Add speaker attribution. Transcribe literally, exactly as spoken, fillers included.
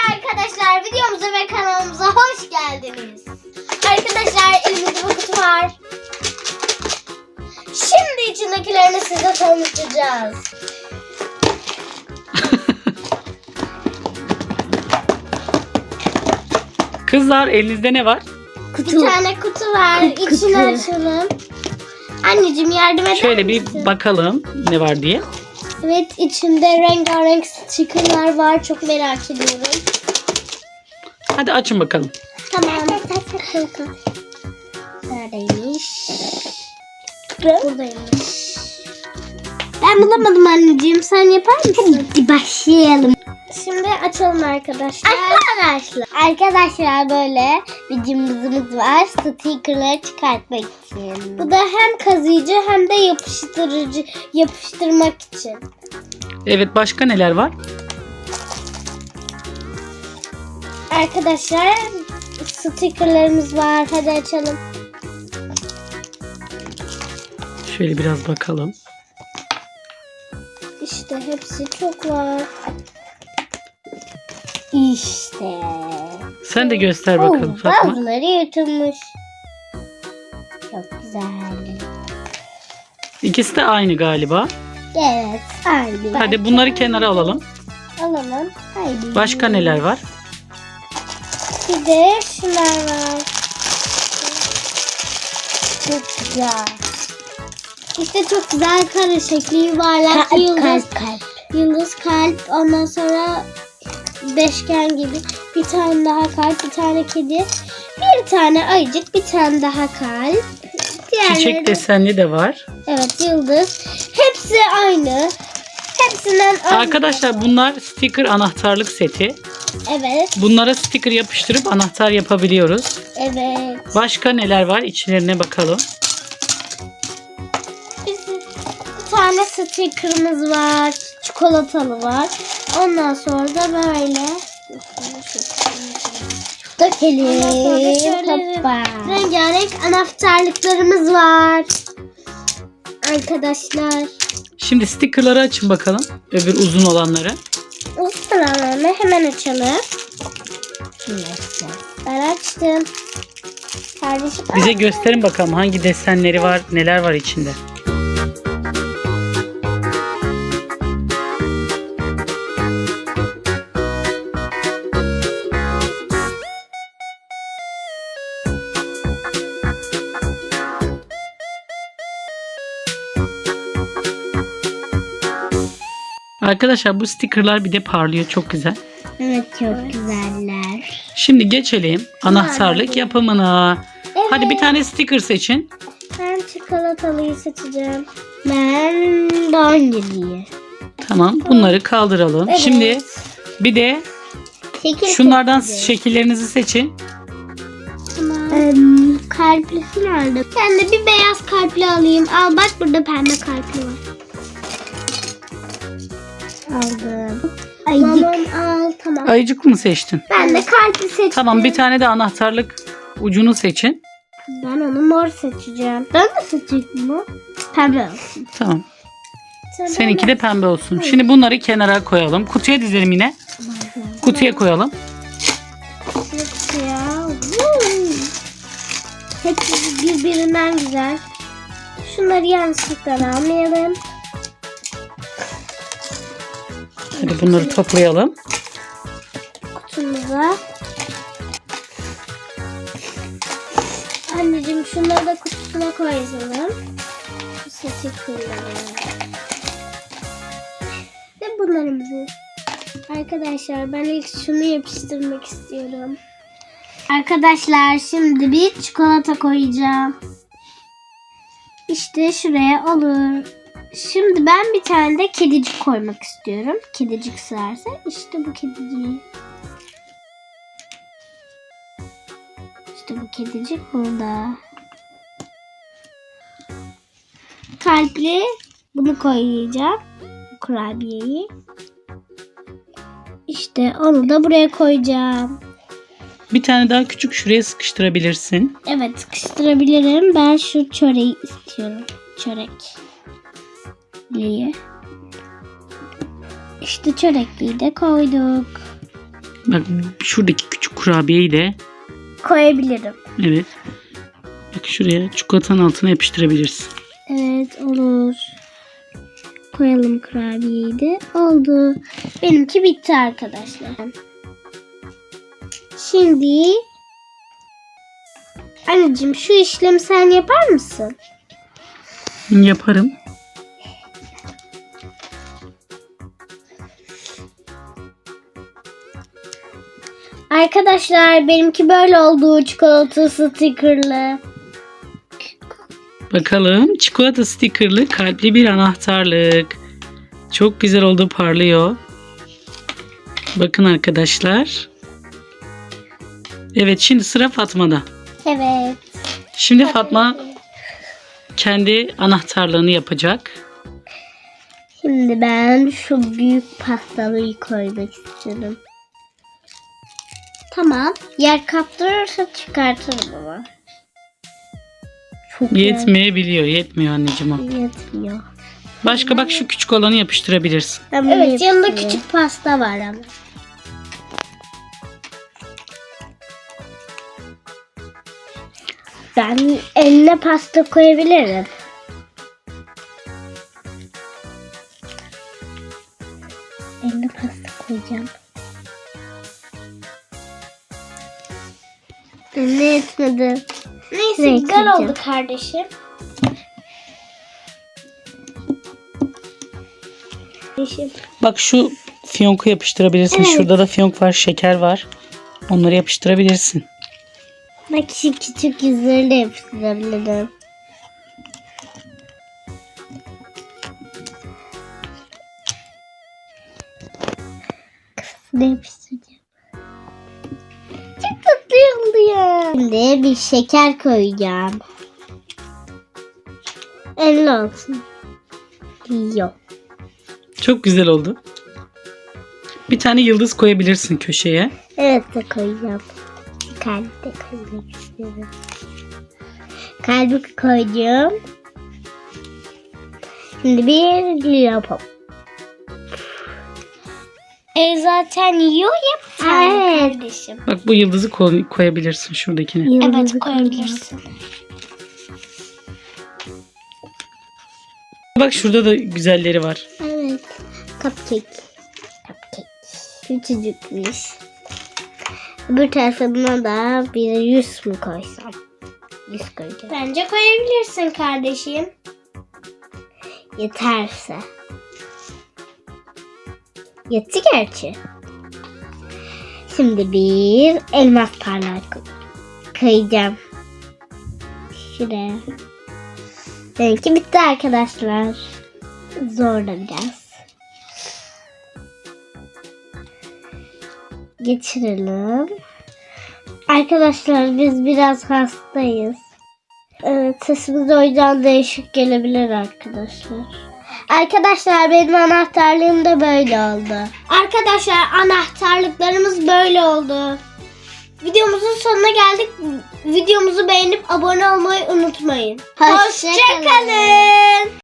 Speaker 1: Arkadaşlar videomuza ve kanalımıza hoş geldiniz. Arkadaşlar elimizde bu kutu var. Şimdi içindekilerini size tanıtacağız.
Speaker 2: Kızlar elinizde ne var?
Speaker 1: Kutu. Bir tane kutu var. Kutu. İçini açalım. Anneciğim yardım eder
Speaker 2: Şöyle bir
Speaker 1: misin?
Speaker 2: bakalım ne var diye.
Speaker 1: Evet, içinde rengarenk stickerlar var. Çok merak ediyorum.
Speaker 2: Hadi açın bakalım.
Speaker 1: Tamam. Neredeymiş? Buradaymış. Ben bulamadım anneciğim. Sen yapar mısın? Hadi başlayalım. Şimdi açalım arkadaşlar. Arkadaşlar. Arkadaşlar böyle bir cımbızımız var. Stickerları çıkartmak için. Bu da hem kazıyıcı hem de yapıştırıcı yapıştırmak için.
Speaker 2: Evet, başka neler var?
Speaker 1: Arkadaşlar stickerlarımız var. Hadi açalım.
Speaker 2: Şöyle biraz bakalım.
Speaker 1: İşte hepsi çok var. İşte.
Speaker 2: Sen de göster bakalım
Speaker 1: Oo,
Speaker 2: Fatma.
Speaker 1: bazıları yırtılmış. Çok güzel.
Speaker 2: İkisi de aynı galiba.
Speaker 1: Evet. Aynı.
Speaker 2: Hadi bunları kenara alalım.
Speaker 1: Alalım. Haydi.
Speaker 2: Başka neler var?
Speaker 1: Bir de şunlar var. Çok güzel. İşte çok güzel kare şekli, yuvarlak,
Speaker 3: Kalp,
Speaker 1: yıldız,
Speaker 3: kalp, kalp.
Speaker 1: yıldız, kalp, ondan sonra beşgen gibi bir tane daha kalp, bir tane kedi, bir tane ayıcık, bir tane daha kalp. Diğerleri
Speaker 2: Çiçek
Speaker 1: de-
Speaker 2: desenli de var.
Speaker 1: Evet, yıldız. Hepsi aynı. Hepsinden aynı.
Speaker 2: Arkadaşlar bunlar sticker anahtarlık seti.
Speaker 1: Evet,
Speaker 2: Bunlara sticker yapıştırıp anahtar yapabiliyoruz.
Speaker 1: evet.
Speaker 2: Başka neler var? İçlerine bakalım.
Speaker 1: Bizim bir tane sticker'ımız var. Çikolatalı var. Ondan sonra da böyle
Speaker 3: Dökelim.
Speaker 1: Ondan sonra şöyle
Speaker 3: Hoppa.
Speaker 1: rengarenk anahtarlıklarımız var. Arkadaşlar.
Speaker 2: Şimdi stickerları açın bakalım. Öbür uzun olanları.
Speaker 1: O sıralarını hemen açalım. Ben açtım. Kardeşim.
Speaker 2: Bize gösterin bakalım hangi desenleri var, neler var içinde. Arkadaşlar bu stickerlar bir de parlıyor, çok güzel.
Speaker 3: Evet, çok güzeller.
Speaker 2: Şimdi geçelim anahtarlık yapımına.
Speaker 1: Evet.
Speaker 2: Hadi bir tane sticker seçin.
Speaker 1: Ben çikolatalıyı seçeceğim.
Speaker 3: Ben dondurmayı.
Speaker 2: Tamam, bunları kaldıralım.
Speaker 1: Evet.
Speaker 2: Şimdi bir de
Speaker 1: Şekil
Speaker 2: şunlardan
Speaker 1: seçeceğim.
Speaker 2: şekillerinizi seçin.
Speaker 1: Tamam.
Speaker 3: Ee, kalplisini aldım.
Speaker 1: Ben de bir beyaz kalpli alayım. Al bak, burada pembe kalpli var.
Speaker 3: Aldım. Ayıcık.
Speaker 1: Tamam, al tamam.
Speaker 2: Ayıcık mı seçtin?
Speaker 1: Ben de kalpli seçtim.
Speaker 2: Tamam, bir tane de anahtarlık ucunu seçin.
Speaker 1: Ben onu mor seçeceğim.
Speaker 3: Ben de seçecek mi? Pembe olsun.
Speaker 2: Tamam.
Speaker 1: Sen
Speaker 2: Seninki de pembe olsun. Şimdi bunları kenara koyalım. Kutuya dizelim yine. Kutuya koyalım.
Speaker 1: ya. Hepsi birbirinden güzel. Şunları yanlışlıkla almayalım.
Speaker 2: Hadi bunları toplayalım.
Speaker 1: Kutumuza. Anneciğim şunları da kutusuna koyalım. Bu seti kullanalım. Ve bunlarımızı. Arkadaşlar ben ilk şunu yapıştırmak istiyorum. Arkadaşlar şimdi bir çikolata koyacağım. İşte şuraya olur. Şimdi ben bir tane de kedicik koymak istiyorum. Kedicik sığarsa işte bu kediciği. İşte bu kedicik burada. Kalpli bunu koyacağım. Kurabiyeyi. İşte onu da buraya koyacağım.
Speaker 2: Bir tane daha küçük şuraya sıkıştırabilirsin.
Speaker 1: Evet, sıkıştırabilirim. Ben şu çöreği istiyorum. Çörek. İşte çörekliği de koyduk.
Speaker 2: Bak şuradaki küçük kurabiyeyi de
Speaker 3: Koyabilirim.
Speaker 2: evet. Bak şuraya çikolatanın altına yapıştırabilirsin.
Speaker 3: Evet olur. Koyalım kurabiyeyi de. Oldu. Benimki bitti arkadaşlar. Şimdi anneciğim şu işlemi sen yapar mısın?
Speaker 2: Yaparım.
Speaker 3: Arkadaşlar benimki böyle oldu. Çikolata stickerlı.
Speaker 2: Bakalım çikolata stikerli kalpli bir anahtarlık. Çok güzel oldu, parlıyor. Bakın arkadaşlar. Evet, şimdi sıra Fatma'da.
Speaker 3: Evet.
Speaker 2: Şimdi Fatma kendi anahtarlığını yapacak.
Speaker 3: Şimdi ben şu büyük pastalıyı koymak istiyorum. Tamam. Yer kaptırırsa çıkartırım ama. Çok
Speaker 2: Yetmeyebiliyor. Yetmiyor anneciğim o.
Speaker 3: yer- yetmiyor.
Speaker 2: Başka bak şu küçük olanı yapıştırabilirsin.
Speaker 3: Evet, yanında küçük pasta var ama. Ben eline pasta koyabilirim. Eline pasta koyacağım. Ne yetmedi.
Speaker 1: Neyse
Speaker 3: Ne
Speaker 1: güzel
Speaker 3: ekleyeceğim?
Speaker 1: oldu kardeşim. Kardeşim.
Speaker 2: Bak şu fiyonku yapıştırabilirsin.
Speaker 3: Evet.
Speaker 2: Şurada da fiyonk var, şeker var. Onları yapıştırabilirsin.
Speaker 3: Bak şu küçük yüzleri de yapıştırabilirim. Ne yapıştıracağım? Çok tatlı oldu ya. Şimdi bir şeker koyacağım. elli olsun. Yok.
Speaker 2: Çok güzel oldu. Bir tane yıldız koyabilirsin köşeye.
Speaker 3: Evet de koyacağım. Kalbi de koymak istiyorum. Kalbi koydum. Şimdi bir lollipop.
Speaker 1: E zaten yiyor ya bir tane
Speaker 3: Evet.
Speaker 1: kardeşim.
Speaker 2: Bak bu yıldızı koy- koyabilirsin şuradakine.
Speaker 1: Evet
Speaker 3: Yıldızı
Speaker 1: koyabilirsin.
Speaker 2: Bak şurada da güzelleri var.
Speaker 3: Evet. Cupcake. Cupcake. Küçücükmüş. Öbür tarafına da bir yüz mü koysam? Yüz koyacağım.
Speaker 1: Bence koyabilirsin kardeşim.
Speaker 3: Yeterse. Yetti gerçi. Şimdi bir elmas parlak koyacağım. Şuraya. Benimki bitti arkadaşlar. Zor da biraz. Geçirelim. Arkadaşlar biz biraz hastayız. Evet, sesimiz o yüzden değişik gelebilir arkadaşlar. Arkadaşlar benim anahtarlığım da böyle oldu.
Speaker 1: Arkadaşlar anahtarlıklarımız böyle oldu. Videomuzun sonuna geldik. Videomuzu beğenip abone olmayı unutmayın.
Speaker 3: Hoşça kalın.
Speaker 1: Hoşça kalın.